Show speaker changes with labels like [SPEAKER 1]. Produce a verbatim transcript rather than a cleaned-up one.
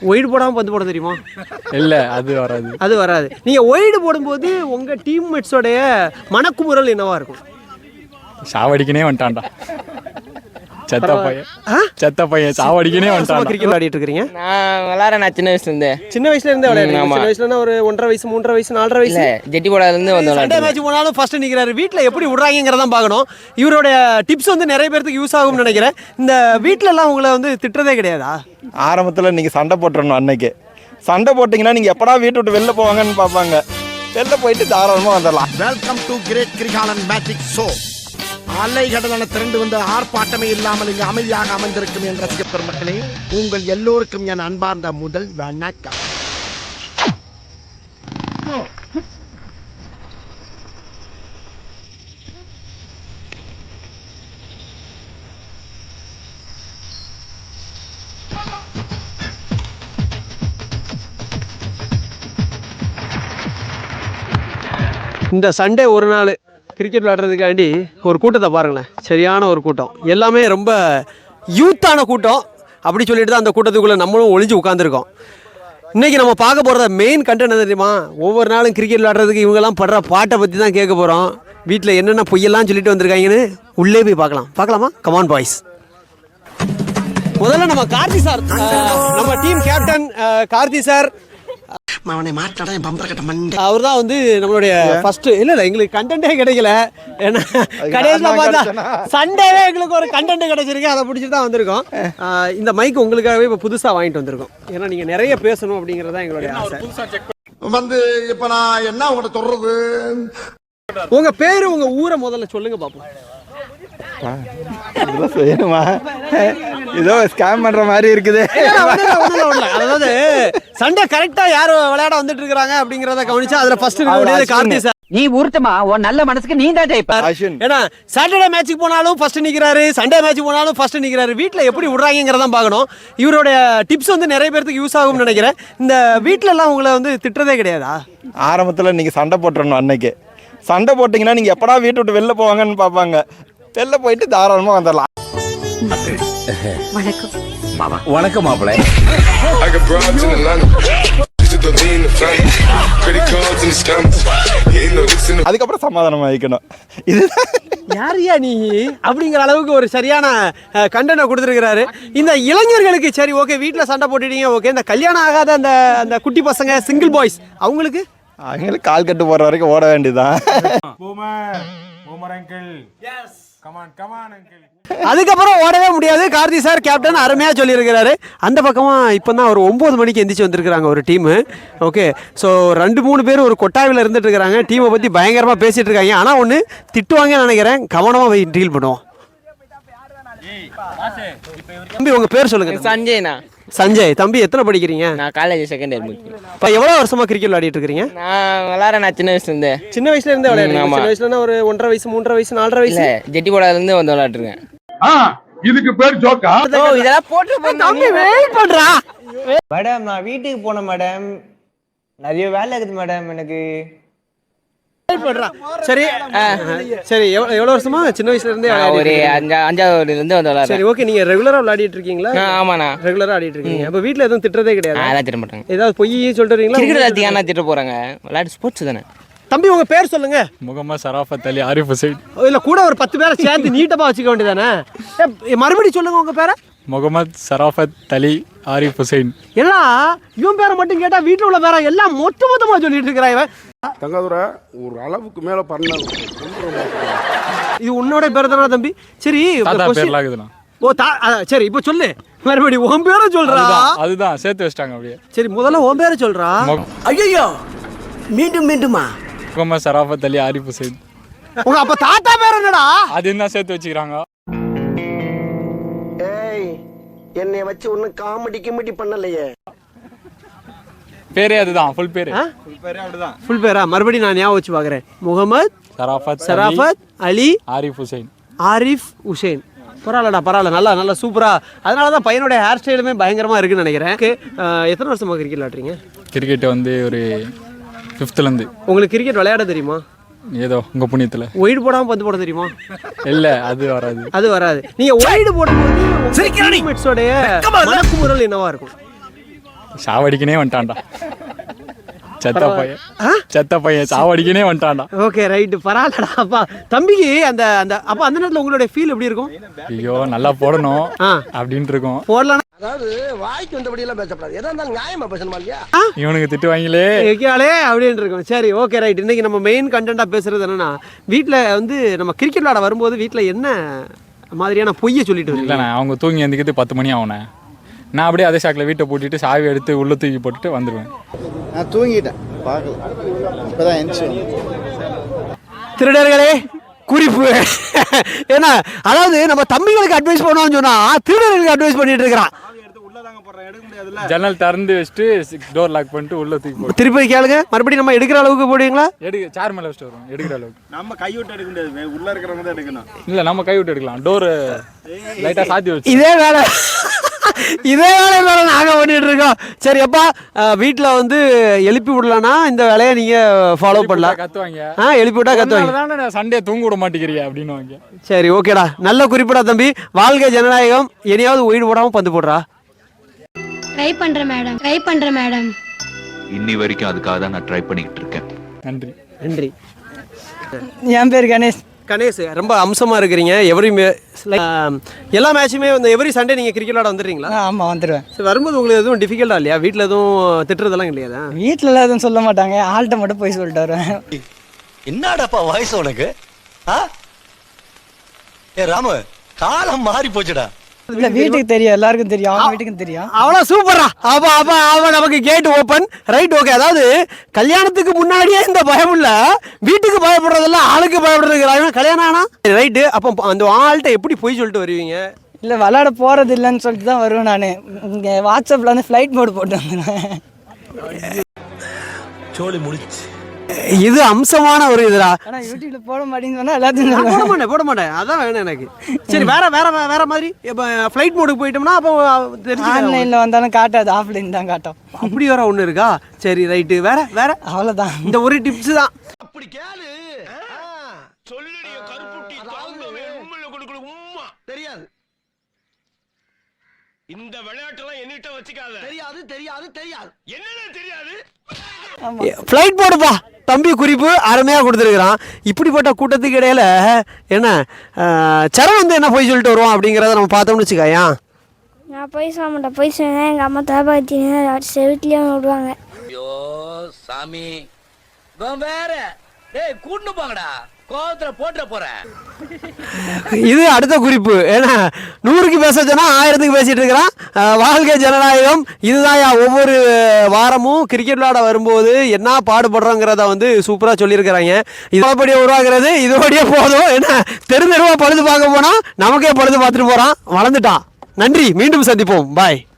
[SPEAKER 1] White போடாமல் பந்து போட தெரியுமா?
[SPEAKER 2] இல்லை, அது வராது.
[SPEAKER 1] அது வராது. நீங்கள் ஒயிட் போடும்போது உங்கள் டீம்மேட்ஸோடைய மனக்குமுறல் என்னவா இருக்கும்?
[SPEAKER 2] சாவடிக்கனே வந்துட்டான்டா செத்த பையன், செத்த பையன் சாவடிக்கனே வந்துட்டான்.
[SPEAKER 1] கிரிக்கெட் விளையாடிட்டு இருக்கீங்க?
[SPEAKER 3] நான் விளையாடுறேன். நான் சின்ன வயசுல இருந்தே
[SPEAKER 1] சின்ன வயசுல இருந்தே விளையாடுறேன். சின்ன வயசுல ஒரு ஒன்றரை வயசு மூன்றரை வயசு நாலரை வயசு
[SPEAKER 3] ஜெட்டி போடாதுல இருந்து வந்து
[SPEAKER 1] சண்டே மேட்ச் போனாலும் ஃபர்ஸ்ட் நிக்கிறாரு. வீட்டில் எப்படி விடுறாங்கிறத பார்க்கணும். இவருடைய டிப்ஸ் வந்து நிறைய பேருக்கு யூஸ் ஆகும்னு நினைக்கிறேன். இந்த வீட்டில எல்லாம் உங்களை வந்து திட்டுறதே கிடையாதா?
[SPEAKER 4] ஆரம்பத்தில் நீங்கள் சண்டை போட்டுறணும். அன்னைக்கு சண்டை போட்டிங்கன்னா நீங்கள் எப்படா வீட்டு விட்டு வெளில போவாங்கன்னு பார்ப்பாங்க. வெளில போயிட்டு தாராளமாக வந்துடலாம்.
[SPEAKER 5] Welcome to great Kirikalan magic show. அலை கடலான திரண்டு வந்து ஆர்ப்பாட்டமே இல்லாமல் இங்கு அமைதியாக அமைந்திருக்கும் என் ரசிக பெருமக்களே, உங்கள் எல்லோருக்கும் என் அன்பார்ந்த முதல் வணக்கம்.
[SPEAKER 1] இந்த சண்டே ஒரு நாள் கிரிக்கெட் விளையாடுறதுக்காண்டி ஒரு கூட்டத்தை பாருங்களேன். சரியான ஒரு கூட்டம். எல்லாமே ரொம்ப யூத்தான கூட்டம். அப்படி சொல்லிட்டு தான் அந்த கூட்டத்துக்குள்ளே நம்மளும் ஒளிஞ்சு உட்காந்துருக்கோம். இன்றைக்கி நம்ம பார்க்க போகிறத மெயின் கண்டென்ட் என்ன தெரியுமா? ஒவ்வொரு நாளும் கிரிக்கெட் விளையாடுறதுக்கு இவங்கெல்லாம் படுற பாட்டை பற்றி தான் கேட்க போகிறோம். வீட்டில் என்னென்ன பொய்யெல்லாம் சொல்லிட்டு வந்திருக்காங்கன்னு உள்ளே போய் பார்க்கலாம். பார்க்கலாமா? Come on boys. முதல்ல நம்ம கார்த்தி சார், நம்ம டீம் கேப்டன் கார்த்தி சார், அவர் தான் வந்து நம்மளுடைய ஃபர்ஸ்ட். இல்ல இல்ல எங்களுக்கு கண்டென்ட்டே கிடைக்கல. ஏன்னா கடைசியில் பார்த்தா சண்டேவே எங்களுக்கு ஒரு கண்டென்ட் கிடைச்சிருக்கு. அதை பிடிச்சிட்டு தான் வந்திருக்கோம். இந்த மைக் உங்களுக்காகவே இப்போ புதுசாக வாங்கிட்டு வந்திருக்கோம். ஏன்னா நீங்க நிறைய பேசணும் அப்படிங்கிறதா எங்களுடைய ஆசை.
[SPEAKER 5] வந்து இப்ப நான் என்ன உங்கள்கிட்ட சொல்றது?
[SPEAKER 1] உங்க பேரு உங்க ஊரை முதல்ல சொல்லுங்க பாப்போம்.
[SPEAKER 4] இதெல்லாம் செய்யணுமா? ஏதோ ஸ்கேம் பண்ற மாதிரி இருக்குது.
[SPEAKER 1] அதாவது சண்டே கரெக்டா யார் விளையாட வந்துட்டு இருக்காங்க அப்படிங்கறத கவனிச்சா அதுல ஃபர்ஸ்ட் கார்த்தி சார்.
[SPEAKER 6] நீ ஊர்த்தமா உன் நல்ல மனசுக்கு நீ தான் ஜெயிப்பார்.
[SPEAKER 1] ஏன்னா சாட்டர்டே மேட்சுக்கு போனாலும் ஃபர்ஸ்ட் நிக்கிறாரு, சண்டே மேட்ச் போனாலும் ஃபர்ஸ்ட் நிக்கிறாரு. வீட்டில் எப்படி விடுறாங்கிறத பார்க்கணும். இவருடைய டிப்ஸ் வந்து நிறைய பேருக்கு யூஸ் ஆகும்னு நினைக்கிறேன். இந்த வீட்டில எல்லாம் உங்களை வந்து திட்டுறதே கிடையாதா?
[SPEAKER 4] ஆரம்பத்தில் நீங்கள் சண்டை போட்டுறணும். அன்னைக்கு சண்டை போட்டிங்கன்னா நீங்கள் எப்படா வீட்டு விட்டு வெளில போவாங்கன்னு பார்ப்பாங்க. வெளில போயிட்டு தாராளமாக வந்துடலாம்.
[SPEAKER 7] வணக்கம் மாப்பிள்ளை.
[SPEAKER 4] அதுக்கப்புறம் சமாதானம் ஆகிக்கணும். இது
[SPEAKER 1] யாரியா நீ அப்படிங்கிற அளவுக்கு ஒரு சரியான கண்டென்ட் கொடுத்துருக்கிறாரு. இந்த இளைஞர்களுக்கு சரி ஓகே, வீட்டில் சண்டை போட்டுட்டீங்க ஓகே. இந்த கல்யாணம் ஆகாத அந்த அந்த குட்டி பசங்க, சிங்கிள் பாய்ஸ், அவங்களுக்கு
[SPEAKER 4] அவங்களுக்கு கால் கட்டு போற வரைக்கும் ஓட வேண்டியதுதான்.
[SPEAKER 1] அதுக்கப்புறம் ஓடவே முடியாது. கார்த்தி சார் கேப்டன் அருமையாக சொல்லியிருக்கிறாரு. அந்த பக்கமாக இப்போ தான் ஒரு ஒம்பது மணிக்கு எந்திரிச்சு வந்திருக்கிறாங்க ஒரு டீமு. ஓகே, ஸோ ரெண்டு மூணு பேர் ஒரு கொட்டாவில் இருந்துட்டு இருக்கிறாங்க. டீமை பற்றி பயங்கரமாக பேசிகிட்டு இருக்காங்க. ஆனால் ஒன்று திட்டுவாங்கன்னு நினைக்கிறேன். கவனமாக டீல் பண்ணுவோம். தம்பி உங்கள் பேர் சொல்லுங்கள்.
[SPEAKER 3] சஞ்சய்ண்ணா.
[SPEAKER 1] சஞ்சய். தம்பி எத்தனை படிக்கிறீங்க?
[SPEAKER 3] நான் காலேஜ் செகண்ட் இயர் முடிக்கிறேன்.
[SPEAKER 1] இப்போ எவ்வளோ வருஷமாக கிரிக்கெட் விளையாடிட்டு இருக்கீங்க?
[SPEAKER 3] நான் விளையாடுறேன். நான் சின்ன வயசுல இருந்தே
[SPEAKER 1] சின்ன வயசுல இருந்தே விளையாடுறேன். சின்ன வயசுல ஒரு ஒன்றரை வயசு மூன்றரை வயசு நாலரை வயசு
[SPEAKER 3] ஜெட்டி போடாதுல இருந்து வந்து விளையாடுறேன்.
[SPEAKER 7] இதுக்கு பேர் ஜோக்கா?
[SPEAKER 3] இதெல்லாம் போட்டு
[SPEAKER 1] தம்பி வெயிட் பண்றா.
[SPEAKER 8] மேடம் நான் வீட்டுக்கு போனேன் மேடம். நிறைய வேலை இருக்குது மேடம் எனக்கு.
[SPEAKER 1] சரி சரி எவ்வளவு வருஷமா? சின்ன வயசுல இருந்தே
[SPEAKER 3] ஒரு அஞ்சாவது இருந்து வந்து விளையாடுறேன்.
[SPEAKER 1] சரி ஓகே, நீங்க ரெகுலரா விளையாடிட்டு இருக்கீங்களா?
[SPEAKER 3] ஆமாண்ணா,
[SPEAKER 1] ரெகுலரா ஆடிட்டு இருக்கீங்க. அப்ப வீட்ல எதுவும் திட்டுறதே கிடையாது?
[SPEAKER 3] அதெல்லாம் திட்ட மாட்டாங்க.
[SPEAKER 1] ஏதாவது பொய் சொல்றீங்களா?
[SPEAKER 3] கிரிக்கெட் ஏன்னா திட்ட போறாங்க? விளையாட்டு ஸ்போர்ட்ஸ் தானே.
[SPEAKER 1] தம்பி உங்க பேர் சொல்லுங்க.
[SPEAKER 2] முகமது சராஃபத் அலி ஆரிஃப் ஹுசைன்.
[SPEAKER 1] இல்ல கூட ஒரு பத்து பேரை சேர்த்து நீட்டமா வச்சுக்க வேண்டியதானே? மறுபடியும் சொல்லுங்க உங்க பேரை.
[SPEAKER 2] முகமது சராஃபத் அலி ஆரிஃப் ஹுசைன்.
[SPEAKER 1] ஏன்னா இவன் பேரை மட்டும் கேட்டா வீட்டுல உள்ள பேரை எல்லாம் மொத்த மொத்தமா சொல்லிட்டு இருக்கிறான் இவன்.
[SPEAKER 7] தங்காதுரை ஒரு அளவுக்கு மேல பண்ண.
[SPEAKER 1] இது உன்னோட பேர் தானே தம்பி? சரி ஓ தா சரி இப்போ சொல்லு மறுபடியும் உன் பேரை சொல்றா.
[SPEAKER 2] அதுதான் சேர்த்து வச்சிட்டாங்க அப்படியே.
[SPEAKER 1] சரி முதல்ல உன் பேரை சொல்றா. ஐயோ மீண்டும் மீண்டுமா?
[SPEAKER 2] முகமது சராஃபத் அலி ஆரிஃப் ஹுசைன்.
[SPEAKER 1] உங்க அப்ப தாத்தா பேர் என்னடா?
[SPEAKER 2] அது என்ன சேர்த்து வச்சுக்கிறாங்க?
[SPEAKER 5] ஏய் என்னை வச்சு ஒன்னும் காமெடி கிமெடி பண்ணலையே.
[SPEAKER 2] பேரே அதுதான். ஃபுல் பேரு.
[SPEAKER 1] ஃபுல் பேரா? மறுபடியும் நான் ஞாபகம் வச்சு பார்க்குறேன். முகமது
[SPEAKER 2] சராஃபத்
[SPEAKER 1] சராஃபத் அலி
[SPEAKER 2] ஆரிஃப் ஹுசைன்.
[SPEAKER 1] ஆரிஃப் ஹுசைன். பரவாயில்லடா பரவாயில்ல, நல்லா நல்லா சூப்பரா. அதனால தான் பையனுடைய ஹேர் ஸ்டைலுமே பயங்கரமா இருக்குன்னு நினைக்கிறேன். எத்தனை வருஷமா கிரிக்கெட் விளையாடுறீங்க?
[SPEAKER 2] கிரிக்கெட் வந்து ஒரு ஃபிஃப்த்லேருந்து.
[SPEAKER 1] உங்களுக்கு கிரிக்கெட் விளையாட தெரியுமா?
[SPEAKER 2] ஏதோ உங்க புண்ணியத்தில்.
[SPEAKER 1] ஒயிட் போடாமல் பந்து போட தெரியுமா?
[SPEAKER 2] இல்லை, அது வராது.
[SPEAKER 1] அது வராது. நீங்கள் ஒயிட் போடும்போது டீம்மேட்ஸோடைய மனக்குமுறல் என்னவா இருக்கும்?
[SPEAKER 2] சாவடிக்கனே வந்துட்டான்டா செத்த பையன் செத்த பையன் சாவடிக்கனே வந்துட்டான்டா.
[SPEAKER 1] ஓகே ரைட்டு பரவாயில்லடா. அப்பா தம்பிக்கு அந்த அந்த அப்போ அந்த நேரத்தில் உங்களுடைய ஃபீல் எப்படி இருக்கும்?
[SPEAKER 2] ஐயோ நல்லா போடணும்
[SPEAKER 1] ஆ
[SPEAKER 2] அப்படின்ட்டு இருக்கும்.
[SPEAKER 1] போடலாம்.
[SPEAKER 5] அதாவது வாய்க்கு வந்தபடி எல்லாம் பேசப்படாது. எதா இருந்தாலும் நியாயமா பேசணுமா இல்லையா?
[SPEAKER 2] இவனுக்கு திட்டு வாங்கிலே
[SPEAKER 1] வைக்காலே அப்படின்னு இருக்கும். சரி ஓகே ரைட். இன்னைக்கு நம்ம மெயின் கண்டென்ட்டாக பேசுறது என்னன்னா, வீட்டில் வந்து நம்ம கிரிக்கெட் விளாட வரும்போது வீட்டில் என்ன மாதிரியான பொய்யை சொல்லிட்டு வரீங்க?
[SPEAKER 2] இல்லைண்ணா அவங்க தூங்கி எந்திக்கிறது பத்து மணி ஆகுண்ணே. நான் அப்படியே அதே சாக்கில் வீட்டை பூட்டிட்டு சாவி எடுத்து உள்ள தூக்கி போட்டுட்டு வந்துடுவேன்.
[SPEAKER 9] நான் தூங்கிட்டேன் பார்க்கல, இப்போதான் எந்திரிச்சு.
[SPEAKER 1] திருடர்களே குறிப்பு. ஏன்னா அதாவது நம்ம தம்பிகளுக்கு அட்வைஸ் பண்ணுவோம்னு சொன்னா திருடர்களுக்கு அட்வைஸ் பண்ணிட்டு இருக்கிறான்.
[SPEAKER 2] ஜன்னல் திறந்து வச்சுட்டு டோர் லாக் பண்ணிட்டு உள்ள தூக்கி போட்டு
[SPEAKER 1] திருப்பி கேளுங்க, மறுபடியும் நம்ம எடுக்கிற அளவுக்கு போடுவீங்களா?
[SPEAKER 2] எடுக்க சேர் மேலே வச்சுட்டு வருவோம் எடுக்கிற அளவுக்கு.
[SPEAKER 4] நம்ம கை விட்டு எடுக்க முடியாது, உள்ள இருக்கிறவங்க தான் எடுக்கணும்.
[SPEAKER 2] இல்லை நம்ம கை விட்டு எடுக்கலாம். டோரு லைட்டாக சாத்தி வச்சு
[SPEAKER 1] இதே வேலை இதே வேலை வேலை நாங்கள் பண்ணிட்டு இருக்கோம். சரி அப்பா வீட்டில் வந்து எழுப்பி விடலன்னா இந்த வேலையை நீங்கள் ஃபாலோ பண்ணலாம்.
[SPEAKER 2] கத்துவாங்க.
[SPEAKER 1] ஆ எழுப்பி விட்டா கத்துவாங்க.
[SPEAKER 2] தானே சண்டே தூங்க விட மாட்டேங்கிறியா அப்படின்னு வாங்க.
[SPEAKER 1] சரி ஓகேடா, நல்ல குறிப்பிடா தம்பி. வாழ்க ஜனநாயகம். இனியாவது ஒயிட் போடாமல் பந்து போடுறா.
[SPEAKER 10] ட்ரை பண்றேன் மேடம், ட்ரை பண்றேன் மேடம்.
[SPEAKER 11] இன்னி வரைக்கும் அதுக்காக தான் நான் ட்ரை பண்ணிக்கிட்டு இருக்கேன்.
[SPEAKER 2] நன்றி
[SPEAKER 1] நன்றி.
[SPEAKER 8] என் பேர் கணேஷ்.
[SPEAKER 1] கணேஷ் ரொம்ப அம்சமாக இருக்கிறீங்க. எவ்ரி எல்லா மேட்சுமே வந்து எவ்ரி சண்டே நீங்கள் கிரிக்கெட் விளாட வந்துடுறீங்களா?
[SPEAKER 8] ஆமாம் வந்துடுவேன்.
[SPEAKER 1] சரி வரும்போது உங்களுக்கு எதுவும் டிஃபிகல்ட்டா இல்லையா? வீட்டில் எதுவும் திட்டுறதெல்லாம் இல்லையா?
[SPEAKER 8] வீட்டிலலாம் எதுவும் சொல்ல மாட்டாங்க, ஆள்கிட்ட மட்டும் போய் சொல்லிட்டு வருவேன்.
[SPEAKER 9] என்னடாப்பா வயசு உனக்கு? ஆ ஏ ராமு, காலம் மாறி போச்சுடா.
[SPEAKER 8] இல்லை வீட்டுக்கு தெரியும், எல்லாருக்கும் தெரியும், அவங்க வீட்டுக்கும் தெரியும்.
[SPEAKER 1] அவ்வளோ சூப்பரா. அப்போ அப்போ அவன் நமக்கு கேட் ஓப்பன் ரைட். ஓகே, அதாவது கல்யாணத்துக்கு முன்னாடியே இந்த பயம் இல்லை, வீட்டுக்கு பயப்படுறதெல்லாம் ஆளுக்கு பயப்படுறது கல்யாணம் ஆனா ரைட்டு. அப்போ அந்த ஆள்கிட்ட எப்படி போய் சொல்லிட்டு வருவீங்க?
[SPEAKER 8] இல்லை விளாட போகிறது இல்லைன்னு சொல்லிட்டு தான் வருவேன் நான். இங்கே வாட்ஸ்அப்பில் வந்து ஃப்ளைட் மோடு போட்டு வந்துடுவேன்.
[SPEAKER 9] சோழி முடிச்சு.
[SPEAKER 1] இது அம்சமான ஒரு இதுடா.
[SPEAKER 8] ஆனால் யூடியூப்ல போட மாட்டேன்னு சொன்னால் எல்லாத்தையும்
[SPEAKER 1] போட மாட்டேன் போட மாட்டேன் அதான் வேணும் எனக்கு. சரி வேற வேற வேற மாதிரி இப்போ ஃப்ளைட் மோடுக்கு போயிட்டோம்னா அப்போ தெரிஞ்சு
[SPEAKER 8] ஆன்லைனில் வந்தாலும் காட்டாது, ஆஃப்லைன் தான் காட்டும்.
[SPEAKER 1] அப்படி வர ஒன்று இருக்கா? சரி ரைட்டு. வேற வேற
[SPEAKER 8] அவ்வளோதான்.
[SPEAKER 1] இந்த ஒரு டிப்ஸ் தான்.
[SPEAKER 5] அப்படி கேளு. சொல்லுடைய கருப்புட்டி தாங்கவே உம்மல கொடுக்கல உம்மா தெரியாது. இந்த விளையாட்டெல்லாம் என்னிட்ட வச்சுக்காத. தெரியாது தெரியாது தெரியாது என்னன்னு தெரியாது.
[SPEAKER 1] ஃப்ளைட் போடுப்பா தம்பி குறிப்பு அருமையாக கொடுத்துருக்குறான். இப்படிப்பட்ட கூட்டத்துக்கு இடையில என்ன சரண் வந்து என்ன போய் சொல்லிட்டு வருவான் அப்படிங்கிறத நம்ம பார்த்தோம்னு வச்சுக்காயா.
[SPEAKER 10] நான் போய் சொல்ல மாட்டேன், போய் சொன்னேன் எங்கள் அம்மா தாபாத்தி செவிட்லேயே விடுவாங்க.
[SPEAKER 6] ஐயோ சாமி வேற டேய் கூட்டு போங்கடா, கோவத்துல போட்டுற போறேன்.
[SPEAKER 1] இது அடுத்த குறிப்பு. ஏன்னா நூறுக்கு பேச சொன்னா ஆயிரத்துக்கு பேசிட்டு இருக்கிறான். வாழ்க்கை ஜனநாயகம். இதுதான் ஒவ்வொரு வாரமும் கிரிக்கெட் விளையாட வரும்போது என்ன பாடுபடுறோங்கிறத வந்து சூப்பராக சொல்லியிருக்கிறாங்க. இதோடய உருவாகிறது இதோடய போதும். ஏன்னா தெரு தெருவா பழுது பார்க்க போனா நமக்கே பழுது பார்த்துட்டு போறான். வளர்ந்துட்டான். நன்றி, மீண்டும் சந்திப்போம். பாய்.